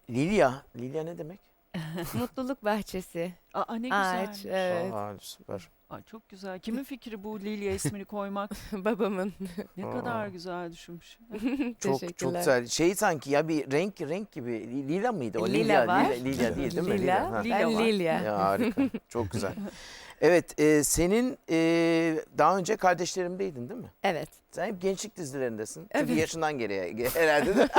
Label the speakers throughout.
Speaker 1: Lilia. Lilia ne demek?
Speaker 2: Mutluluk bahçesi.
Speaker 3: Aa ne
Speaker 2: Ağaç.
Speaker 3: güzelmiş.
Speaker 2: Evet.
Speaker 1: Aa, süper.
Speaker 3: Aa, çok güzel. Kimin fikri bu Lilya ismini koymak?
Speaker 2: Babamın.
Speaker 3: Ne
Speaker 1: Aa.
Speaker 3: kadar güzel düşünmüş.
Speaker 1: Çok
Speaker 2: Teşekkürler.
Speaker 1: güzel. Şey sanki ya bir renk gibi. Lila mıydı o?
Speaker 2: Lila var.
Speaker 1: Lila değil değil mi?
Speaker 2: Lila.
Speaker 1: Ha.
Speaker 3: Lila
Speaker 2: Ben
Speaker 3: var.
Speaker 2: Lilya.
Speaker 1: Ya harika. Çok güzel. Evet, senin daha önce Kardeşlerim'deydin değil mi?
Speaker 2: Evet.
Speaker 1: Sen hep gençlik dizilerindesin.
Speaker 2: Evet.
Speaker 1: Tabii yaşından geriye herhalde de.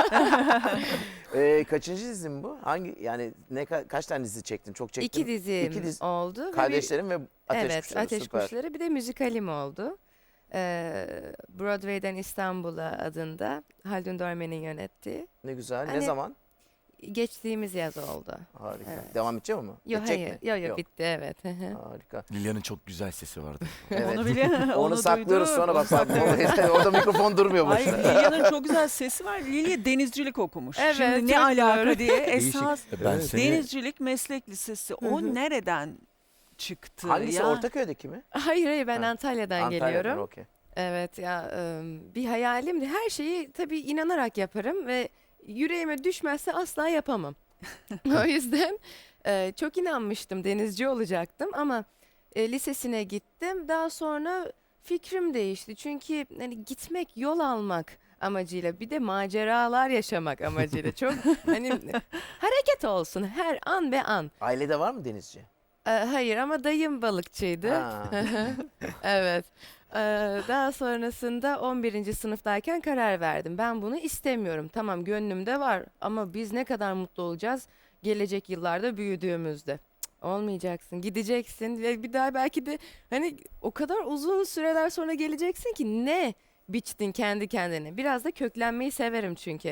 Speaker 1: Kaçıncı dizin bu? Hangi yani kaç tane dizi çektin? Çok çektin.
Speaker 2: İki dizim
Speaker 1: İki dizi-
Speaker 2: oldu. ve bir-
Speaker 1: Kardeşlerim ve Ateş
Speaker 2: evet,
Speaker 1: Kuşları.
Speaker 2: Ateş
Speaker 1: Süper.
Speaker 2: Kuşları. Bir de müzikalim oldu. Broadway'den İstanbul'a adında Haldun Dorme'nin yönettiği.
Speaker 1: Ne güzel. Ne
Speaker 2: Hani-
Speaker 1: zaman?
Speaker 2: geçtiğimiz yaz oldu.
Speaker 1: Harika.
Speaker 2: Evet.
Speaker 1: Devam edecek mi?
Speaker 2: Yok
Speaker 1: Edecek
Speaker 2: hayır.
Speaker 1: mi?
Speaker 2: Yok bitti evet.
Speaker 1: Harika.
Speaker 4: Lilya'nın çok güzel sesi vardı.
Speaker 1: Evet.
Speaker 3: Onu bile
Speaker 1: Onu saklıyoruz
Speaker 3: duydum.
Speaker 1: sonra bak.
Speaker 3: Onu
Speaker 1: Orada mikrofon durmuyor
Speaker 3: Ay
Speaker 1: boşuna.
Speaker 3: Lilya'nın çok güzel sesi var. Lilya denizcilik okumuş.
Speaker 2: Evet,
Speaker 3: Şimdi ne
Speaker 2: çok
Speaker 3: alaka
Speaker 2: doğru.
Speaker 3: diye esas
Speaker 4: Ben
Speaker 1: Evet.
Speaker 4: seni
Speaker 3: denizcilik meslek lisesi. O nereden çıktı
Speaker 1: Hangisi?
Speaker 3: ya?
Speaker 1: Ortaköy'deki mi?
Speaker 2: Hayır ben
Speaker 1: Ha.
Speaker 2: Antalya'dan
Speaker 1: Antalya'dan,
Speaker 2: geliyorum.
Speaker 1: okey.
Speaker 2: Evet ya bir hayalimdi. Her şeyi tabii inanarak yaparım ve yüreğime düşmezse asla yapamam. O yüzden çok inanmıştım denizci olacaktım ama lisesine gittim. Daha sonra fikrim değişti. Çünkü hani gitmek yol almak amacıyla bir de maceralar yaşamak amacıyla çok hani hareket olsun her an be an.
Speaker 1: Ailede var mı denizci?
Speaker 2: Hayır ama dayım balıkçıydı.
Speaker 1: Ha.
Speaker 2: Evet. Daha sonrasında 11. sınıftayken karar verdim. Ben bunu istemiyorum. Tamam gönlümde var ama biz ne kadar mutlu olacağız gelecek yıllarda büyüdüğümüzde. Cık, olmayacaksın, gideceksin ve bir daha belki de hani o kadar uzun süreler sonra geleceksin ki ne biçtin kendi kendine. Biraz da köklenmeyi severim çünkü.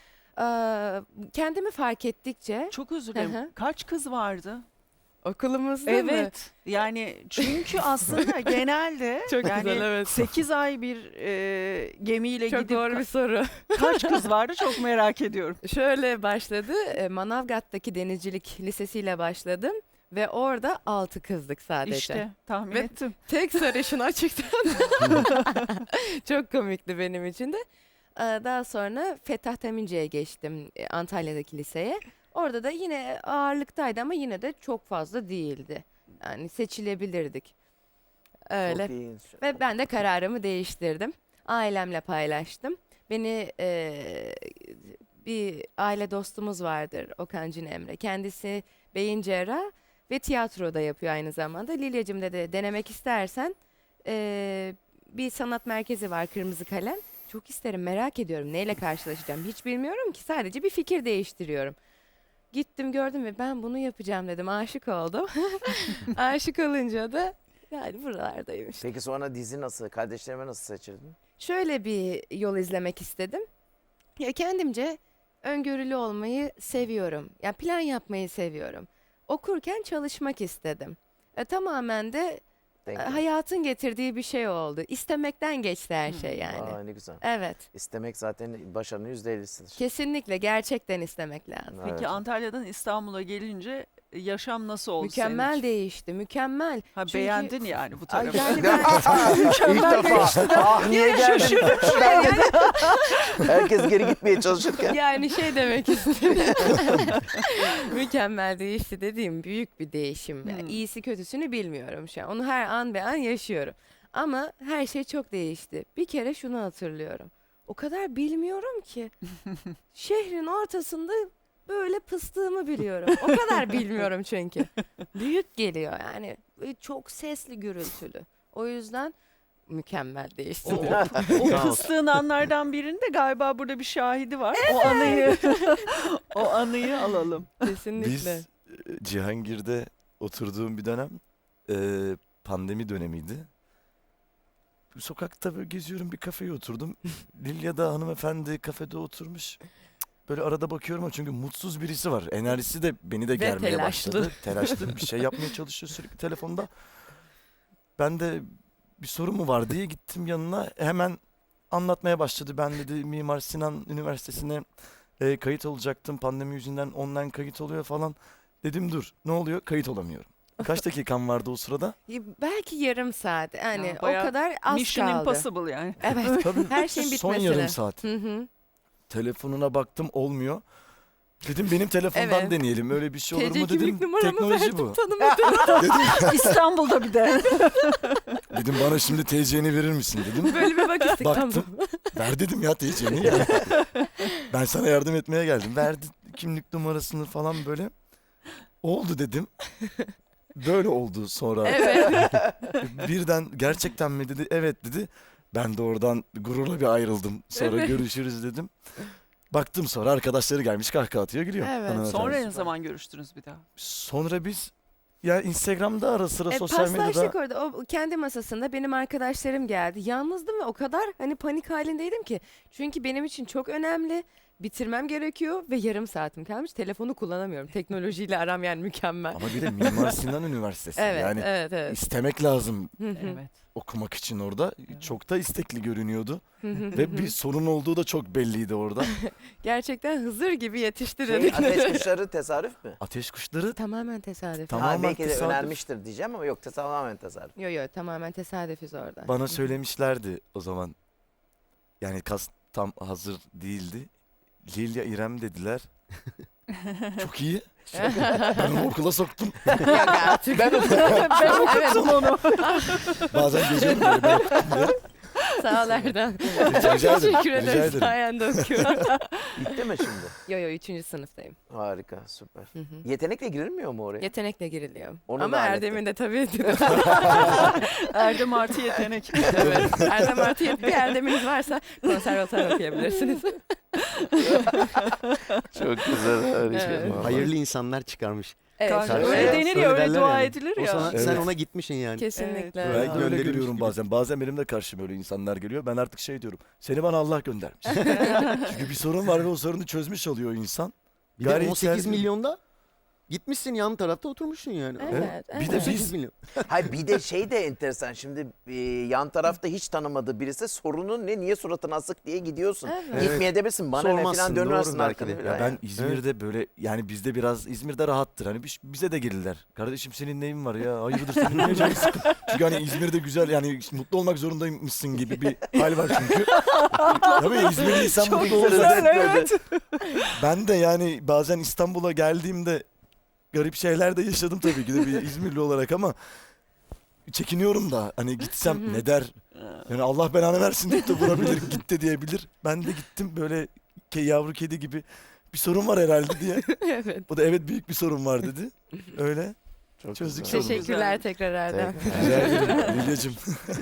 Speaker 2: Kendimi fark ettikçe
Speaker 3: Çok özür dilerim.
Speaker 2: Hı hı.
Speaker 3: Kaç kız vardı?
Speaker 2: okulumuzda mı?
Speaker 3: Evet. Yani çünkü aslında genelde
Speaker 2: Çok
Speaker 3: yani
Speaker 2: güzel, evet.
Speaker 3: 8 ay bir gemiyle
Speaker 2: Çok
Speaker 3: gidip
Speaker 2: doğru bir soru.
Speaker 3: kaç kız vardı çok merak ediyorum.
Speaker 2: Şöyle başladı. Manavgat'taki denizcilik lisesiyle başladım ve orada 6 kızdık sadece.
Speaker 3: İşte tahmin
Speaker 2: Ve-
Speaker 3: ettim.
Speaker 2: Tek sarışın açıktan. Çok komikti benim için de. Daha sonra Fettah Temince'ye geçtim Antalya'daki liseye. Orada da yine ağırlıktaydı ama yine de çok fazla değildi. Yani seçilebilirdik. Öyle.
Speaker 1: Çok iyi.
Speaker 2: Ve ben de kararımı değiştirdim. Ailemle paylaştım. Beni bir aile dostumuz vardır Okan Cin Emre. Kendisi beyin cerrah ve tiyatroda yapıyor aynı zamanda. Lilyacığım dedi denemek istersen bir sanat merkezi var Kırmızı Kalem. Çok isterim merak ediyorum neyle karşılaşacağım hiç bilmiyorum ki sadece bir fikir değiştiriyorum. Gittim gördüm ve ben bunu yapacağım dedim aşık oldum. Aşık olunca da yani buralardayım işte.
Speaker 1: Peki sonra dizi nasıl? Kardeşlerime nasıl seçirdin?
Speaker 2: Şöyle bir yol izlemek istedim. Ya kendimce öngörülü olmayı seviyorum. Ya plan yapmayı seviyorum. Okurken çalışmak istedim. Tamamen de
Speaker 1: Denk
Speaker 2: hayatın getirdiği bir şey oldu. İstemekten geçti her şey yani.
Speaker 1: Aa, ne güzel.
Speaker 2: Evet.
Speaker 1: İstemek zaten başarının %50'sidir.
Speaker 2: Kesinlikle gerçekten istemek lazım.
Speaker 1: Evet.
Speaker 3: Peki Antalya'dan İstanbul'a gelince yaşam nasıl oldu senin
Speaker 2: Mükemmel
Speaker 3: için?
Speaker 2: değişti. Mükemmel.
Speaker 3: Ha,
Speaker 2: Çünkü-
Speaker 3: beğendin yani bu
Speaker 2: Ay,
Speaker 3: tarafı.
Speaker 2: yani ben
Speaker 1: İlk defa. Ah niye geldin? Ben de- Herkes geri gitmeye çalışırken.
Speaker 2: yani şey demek istedim. Mükemmel değişti dediğim büyük bir değişim. Yani iyisi kötüsünü bilmiyorum şu an. Onu her an be an yaşıyorum. Ama her şey çok değişti. Bir kere şunu hatırlıyorum. O kadar bilmiyorum ki. Şehrin ortasında böyle pıstığımı biliyorum. O kadar bilmiyorum çünkü. Büyük geliyor yani. Böyle çok sesli gürültülü. O yüzden mükemmel değişti.
Speaker 3: O fıstığın anlardan birinde galiba burada bir şahidi var. O anıyı alalım.
Speaker 2: Kesinlikle.
Speaker 4: biz Cihangir'de oturduğum bir dönem pandemi dönemiydi. Sokakta böyle geziyorum bir kafeye oturdum. Lilya da hanımefendi kafede oturmuş. Böyle arada bakıyorum ama çünkü mutsuz birisi var. Enerjisi de beni de germeye
Speaker 2: telaşlı.
Speaker 4: başladı. Telaşlı bir şey yapmaya çalışıyor sürekli telefonda. Ben de bir sorun mu var diye gittim yanına. Hemen anlatmaya başladı. Ben dedi Mimar Sinan Üniversitesi'ne kayıt olacaktım. Pandemi yüzünden online kayıt oluyor falan. Dedim dur ne oluyor? Kayıt olamıyorum. Kaç dakikam vardı o sırada?
Speaker 2: Belki yarım saat. Yani
Speaker 3: Ya,
Speaker 2: o
Speaker 3: bayağı
Speaker 2: kadar az
Speaker 3: Mission
Speaker 2: kaldı.
Speaker 3: Impossible yani.
Speaker 2: Evet.
Speaker 4: Tabii
Speaker 2: Her şeyin
Speaker 4: son
Speaker 2: bitmesine.
Speaker 4: yarım saat.
Speaker 2: Hı hı.
Speaker 4: Telefonuna baktım olmuyor. Dedim benim telefondan
Speaker 2: Evet.
Speaker 4: deneyelim. Öyle bir şey olur
Speaker 2: TC
Speaker 4: mu dedim.
Speaker 2: kimlik numaramı
Speaker 4: Teknoloji
Speaker 2: verdim,
Speaker 4: bu.
Speaker 2: tanımadım.
Speaker 3: İstanbul'da bir de.
Speaker 4: Dedim bana şimdi TC'ni verir misin dedim.
Speaker 2: Böyle bir bak istek, tamam.
Speaker 4: Baktım. Ver dedim ya TC'ni. Yani. Ben sana yardım etmeye geldim. Verdi kimlik numarasını falan böyle. Oldu dedim. Böyle oldu sonra.
Speaker 2: Evet.
Speaker 4: Birden gerçekten mi dedi. Evet dedi. Ben de oradan gururla bir ayrıldım. Sonra
Speaker 2: Evet.
Speaker 4: görüşürüz dedim. Baktım sonra arkadaşları gelmiş kahkaha atıyor gülüyor.
Speaker 2: Evet.
Speaker 4: Hanımefendi.
Speaker 3: Sonra ne zaman görüştünüz bir daha?
Speaker 4: Sonra biz ya Instagram'da ara sıra sosyal
Speaker 2: Paslaştık
Speaker 4: medyada
Speaker 2: orada. O kendi masasında benim arkadaşlarım geldi. Yalnızdım ve o kadar hani panik halindeydim ki. Çünkü benim için çok önemli. Bitirmem gerekiyor ve yarım saatim kalmış. Telefonu kullanamıyorum. Teknolojiyle aram yani mükemmel.
Speaker 4: ama bir de Mimar Sinan Üniversitesi.
Speaker 2: Evet,
Speaker 4: Yani
Speaker 2: evet.
Speaker 4: istemek lazım
Speaker 2: Hı hı,
Speaker 3: Evet.
Speaker 4: okumak için orada. Çok da istekli görünüyordu.
Speaker 2: hı hı,
Speaker 4: Ve
Speaker 2: hı
Speaker 4: bir
Speaker 2: hı.
Speaker 4: sorun olduğu da çok belliydi orada.
Speaker 2: Gerçekten Hızır gibi yetiştirildik.
Speaker 1: Ateş kuşları tesadüf mü?
Speaker 4: Ateş kuşları
Speaker 2: Tamamen tesadüf.
Speaker 4: Tamam. Tamamen
Speaker 1: Belki de
Speaker 4: tesadüf.
Speaker 1: önermiştir diyeceğim ama yok tamamen tesadüf.
Speaker 2: Yo tamamen tesadüfiz orada.
Speaker 4: bana söylemişlerdi o zaman. Yani kas tam hazır değildi. Lilya İrem dediler. Çok iyi. Ben onu okula soktum.
Speaker 2: Yok artık.
Speaker 1: Ben
Speaker 3: Ben okuttum onu.
Speaker 4: Bazen geziyorum böyle ben okudum diye.
Speaker 2: Sağ ol Erdem.
Speaker 4: Rica ederim.
Speaker 2: Teşekkür
Speaker 4: Rica
Speaker 2: ederim.
Speaker 4: ederim.
Speaker 2: Sayende okuyorum.
Speaker 1: Bitti mi şimdi?
Speaker 2: Yo 3. sınıftayım.
Speaker 1: Harika, süper.
Speaker 2: Hı hı.
Speaker 1: Yetenekle girilmiyor mu oraya?
Speaker 2: Yetenekle giriliyor.
Speaker 1: Onu
Speaker 2: Ama
Speaker 1: da
Speaker 2: Erdem'in de tabii.
Speaker 3: Erdem artı yetenek.
Speaker 2: Evet. Erdem artı bir Erdem'iniz varsa konservatuar okuyabilirsiniz.
Speaker 1: Çok güzel. Harika.
Speaker 2: Evet.
Speaker 1: vallahi.
Speaker 5: Hayırlı insanlar çıkarmış.
Speaker 2: Evet.
Speaker 3: Öyle
Speaker 5: Evet.
Speaker 3: denir
Speaker 5: Öyle
Speaker 3: ya, öyle
Speaker 5: derler
Speaker 3: dua
Speaker 5: yani.
Speaker 3: edilir
Speaker 5: O
Speaker 3: ya.
Speaker 5: sana,
Speaker 4: Evet.
Speaker 5: sen ona gitmişsin yani.
Speaker 2: Kesinlikle.
Speaker 3: Evet.
Speaker 4: Ben de öyle
Speaker 5: Gönderilmiş
Speaker 4: görüyorum
Speaker 5: gibi.
Speaker 4: bazen. Bazen benim de karşıma öyle insanlar geliyor. Ben artık şey diyorum. Seni bana Allah göndermiş. Çünkü bir sorun var ve o sorunu çözmüş oluyor insan.
Speaker 5: Bir de
Speaker 4: Gayri
Speaker 5: 18
Speaker 4: içsel-
Speaker 5: milyonda gitmişsin yan tarafta oturmuşsun yani.
Speaker 2: Evet.
Speaker 4: Bir de
Speaker 5: 18
Speaker 4: biz
Speaker 5: milyon.
Speaker 1: Hayır bir de şey de enteresan. Şimdi yan tarafta hiç tanımadığı birisi sorunun ne, niye suratın asık diye gidiyorsun.
Speaker 2: Evet.
Speaker 1: Gitmeyebilirsin bana ne falan
Speaker 5: Sormazsın,
Speaker 1: dönersin
Speaker 5: doğru belki
Speaker 1: arkana
Speaker 5: de.
Speaker 1: falan.
Speaker 4: ya ben İzmir'de böyle yani bizde biraz İzmir'de rahattır. Hani bize de gelirler. Kardeşim senin neyin var ya? Hayırdır senin ne canın sıkın? Çünkü hani İzmir'de güzel yani mutlu olmak zorundaymışsın gibi bir hal var çünkü. Tabii İzmirli insan
Speaker 3: Çok
Speaker 4: mutlu olur.
Speaker 3: güzel, evet.
Speaker 4: Ben de yani bazen İstanbul'a geldiğimde garip şeyler de yaşadım tabii ki de bir İzmirli olarak ama çekiniyorum da hani gitsem ne der? Yani Allah belanı versin deyip de vurabilir, git de diyebilir. Ben de gittim böyle yavru kedi gibi bir sorun var herhalde diye.
Speaker 2: Evet.
Speaker 4: O da evet büyük bir sorun var dedi. Öyle.
Speaker 1: Çok
Speaker 4: Çözdük
Speaker 1: güzel.
Speaker 4: sorunu.
Speaker 2: Teşekkürler
Speaker 3: Güzelmiş.
Speaker 2: tekrar Erdem.
Speaker 4: Rica ederim Lilyacığım.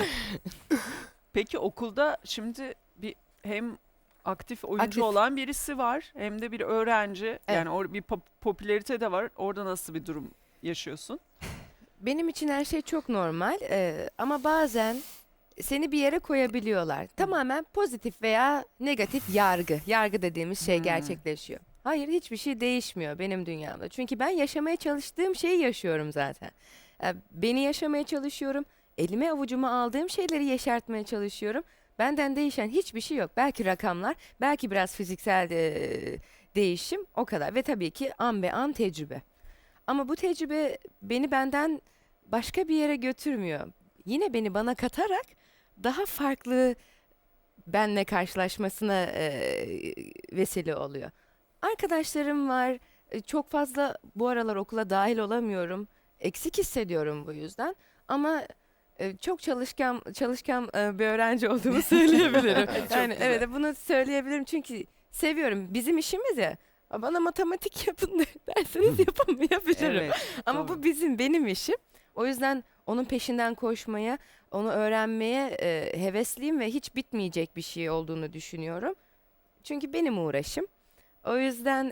Speaker 3: Peki okulda şimdi bir hem aktif oyuncu
Speaker 2: Aktif.
Speaker 3: olan birisi var hem de bir öğrenci.
Speaker 2: Evet.
Speaker 3: Yani bir popülarite de var. Orada nasıl bir durum yaşıyorsun?
Speaker 2: Benim için her şey çok normal ama bazen seni bir yere koyabiliyorlar. Tamamen pozitif veya negatif yargı. Yargı dediğimiz şey gerçekleşiyor. Hayır hiçbir şey değişmiyor benim dünyamda. Çünkü ben yaşamaya çalıştığım şeyi yaşıyorum zaten. Beni yaşamaya çalışıyorum. Elime avucuma aldığım şeyleri yeşertmeye çalışıyorum. Benden değişen hiçbir şey yok. Belki rakamlar, belki biraz fiziksel değişim o kadar. Ve tabii ki an be an tecrübe. Ama bu tecrübe beni benden başka bir yere götürmüyor. Yine beni bana katarak daha farklı benle karşılaşmasına vesile oluyor. Arkadaşlarım var. Çok fazla bu aralar okula dahil olamıyorum. Eksik hissediyorum bu yüzden. Ama çok çalışkan bir öğrenci olduğumu söyleyebilirim. Yani evet bunu söyleyebilirim çünkü seviyorum. Bizim işimiz ya. Bana matematik yapın derseniz yapamayabilirim.
Speaker 3: Evet,
Speaker 2: Ama
Speaker 3: doğru.
Speaker 2: bu benim işim. O yüzden onun peşinden koşmaya, onu öğrenmeye hevesliyim ve hiç bitmeyecek bir şey olduğunu düşünüyorum. Çünkü benim uğraşım. O yüzden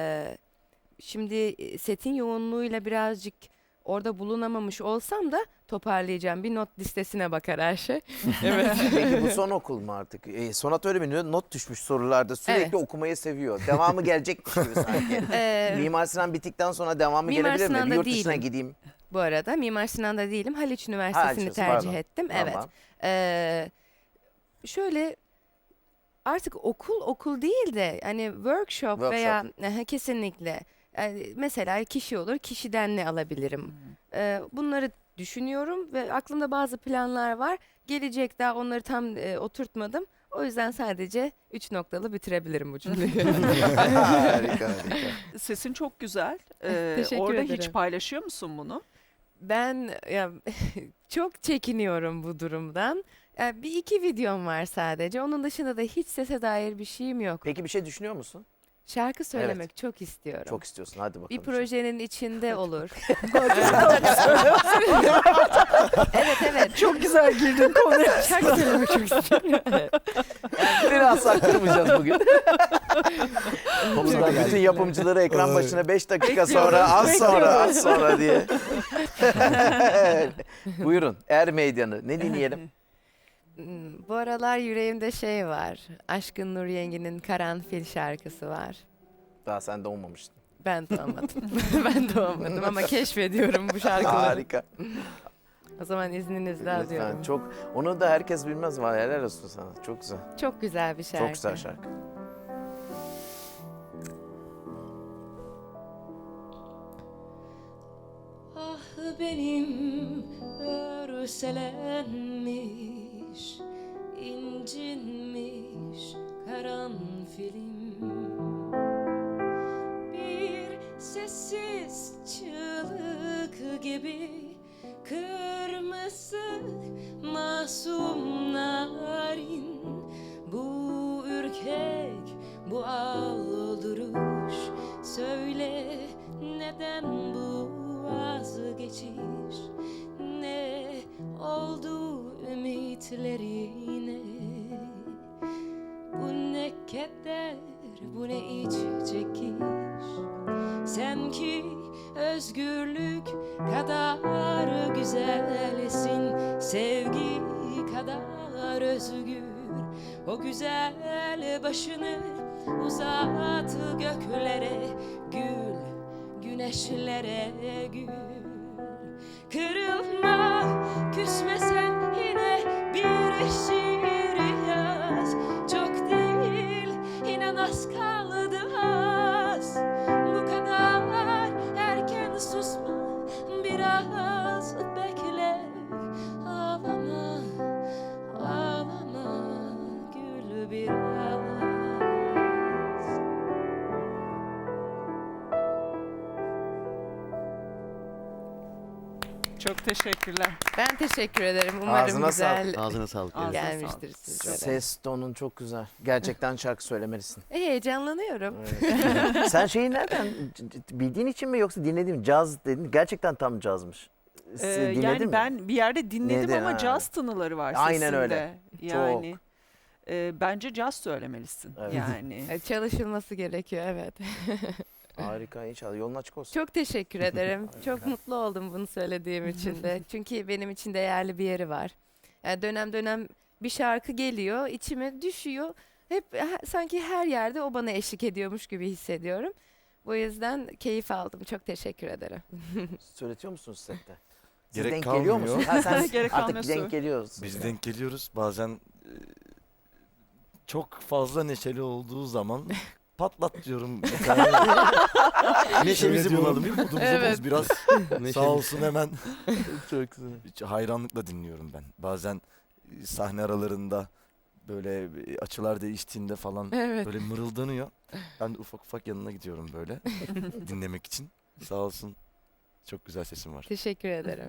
Speaker 2: şimdi setin yoğunluğuyla birazcık orada bulunamamış olsam da toparlayacağım. Bir not listesine bakar her şey. Evet.
Speaker 1: Peki bu son okul mu artık? Sonat öyle bir not düşmüş sorularda sürekli
Speaker 2: Evet.
Speaker 1: okumayı seviyor. Devamı gelecekmiş gibi sanki. Mimar Sinan bittikten sonra devamı
Speaker 2: Mimar
Speaker 1: gelebilir mi? Bir
Speaker 2: Sinan'da
Speaker 1: yurt dışına
Speaker 2: değilim.
Speaker 1: gideyim.
Speaker 2: Bu arada Mimar Sinan'da değilim. Haliç Üniversitesi'ni
Speaker 1: Haliç,
Speaker 2: tercih
Speaker 1: pardon.
Speaker 2: ettim.
Speaker 1: Tamam.
Speaker 2: Evet. Şöyle artık okul değil de hani workshop. Veya kesinlikle mesela kişi olur, kişiden ne alabilirim? Bunları düşünüyorum ve aklımda bazı planlar var. Gelecek daha onları tam oturtmadım O yüzden sadece 3 noktalı bitirebilirim bu cümleyi.
Speaker 1: Harika.
Speaker 3: Sesin çok güzel.
Speaker 2: Teşekkür
Speaker 3: Orada hiç
Speaker 2: ederim.
Speaker 3: paylaşıyor musun bunu?
Speaker 2: Ben ya, çok çekiniyorum bu durumdan. Bir iki videom var sadece. Onun dışında da hiç sese dair bir şeyim yok.
Speaker 1: Peki bir şey düşünüyor musun?
Speaker 2: Şarkı söylemek çok istiyorum.
Speaker 1: Çok istiyorsun. Hadi bakalım.
Speaker 2: Bir projenin içinde olur. evet.
Speaker 3: Çok güzel girdin konuya.
Speaker 2: Şarkı söylemek çok istiyorum. Evet.
Speaker 1: Biraz saktırmayacağız bugün. Buradan bütün yapımcıları ekran başına 5 dakika sonra, az sonra diye. Buyurun. Meydanı. Ne dinleyelim?
Speaker 2: Bu aralar yüreğimde şey var. Aşkın Nur Yengi'nin Karanfil şarkısı var.
Speaker 1: Daha sen doğmamıştın.
Speaker 2: Ben doğmadım. Ben doğmadım ama keşfediyorum bu şarkıları.
Speaker 1: Harika.
Speaker 2: O zaman izninizle
Speaker 1: Lütfen.
Speaker 2: alıyorum.
Speaker 1: Çok, onu da herkes bilmez. Var. Helal olsun sana. Çok güzel.
Speaker 2: Çok güzel bir şarkı.
Speaker 1: Çok güzel şarkı.
Speaker 6: Ah benim örselenmiş, incinmiş karanfilim. Bir sessiz çığlık gibi kırmızı masum narin. Bu ürkek, bu alduruş, söyle neden bu vazgeçiş? Ne oldu ümitlerine? Bu ne keder, bu ne iç çekiş? Sen ki özgürlük kadar güzelsin, sevgi kadar özgür. O güzel başını uzat göklere, gül güneşlere gül. Kırılma, küsme sen, yine bir şiir yaz. Çok değil, inan az kaldı az. Bu kadar erken susma, biraz bekle. Ağlama, ağlama, gül biraz.
Speaker 3: Çok teşekkürler.
Speaker 2: Ben teşekkür ederim. Umarım
Speaker 1: Ağzına
Speaker 2: güzel
Speaker 5: Ağzına sağlık.
Speaker 3: Ağzına
Speaker 2: gelmiştir sizlere.
Speaker 1: Ses tonun çok güzel. Gerçekten şarkı söylemelisin.
Speaker 2: Heyecanlanıyorum.
Speaker 1: Evet. Sen şeyi nereden bildiğin için mi yoksa dinlediğin mi? Caz dedin. Gerçekten tam cazmış. Dinledin
Speaker 3: Yani
Speaker 1: mi?
Speaker 3: ben bir yerde dinledim
Speaker 1: Dinledin,
Speaker 3: ama
Speaker 1: ha.
Speaker 3: caz tınıları var
Speaker 1: Aynen
Speaker 3: sesinde.
Speaker 1: öyle.
Speaker 3: Yani bence caz söylemelisin.
Speaker 1: Evet.
Speaker 3: Yani.
Speaker 2: Çalışılması gerekiyor, evet.
Speaker 1: Harika, inşallah yolun açık olsun.
Speaker 2: Çok teşekkür ederim. Çok mutlu oldum bunu söylediğim için de. Çünkü benim için değerli bir yeri var. Yani dönem dönem bir şarkı geliyor, içime düşüyor. Hep sanki her yerde o bana eşlik ediyormuş gibi hissediyorum. Bu yüzden keyif aldım. Çok teşekkür ederim.
Speaker 1: Söyletiyor musunuz sette? Siz
Speaker 4: Gerek
Speaker 1: denk geliyor
Speaker 4: kalmıyor.
Speaker 1: musunuz? Ha, sen
Speaker 3: Gerek
Speaker 1: artık
Speaker 3: kalmıyor,
Speaker 1: denk
Speaker 3: söyle.
Speaker 1: geliyoruz.
Speaker 4: Biz denk geliyoruz. Bazen çok fazla neşeli olduğu zaman patlat diyorum. Bir tane. Neşemizi Söyle bulalım. diyorum. Modumuzu
Speaker 2: Evet.
Speaker 4: boz biraz.
Speaker 5: Neşeli.
Speaker 4: Sağ olsun hemen.
Speaker 1: Çok güzel.
Speaker 4: Hiç hayranlıkla dinliyorum ben. Bazen sahne aralarında böyle açılar değiştiğinde falan
Speaker 2: Evet.
Speaker 4: böyle mırıldanıyor. Ben de ufak ufak yanına gidiyorum böyle dinlemek için. Sağ olsun. Çok güzel sesim var.
Speaker 2: Teşekkür ederim.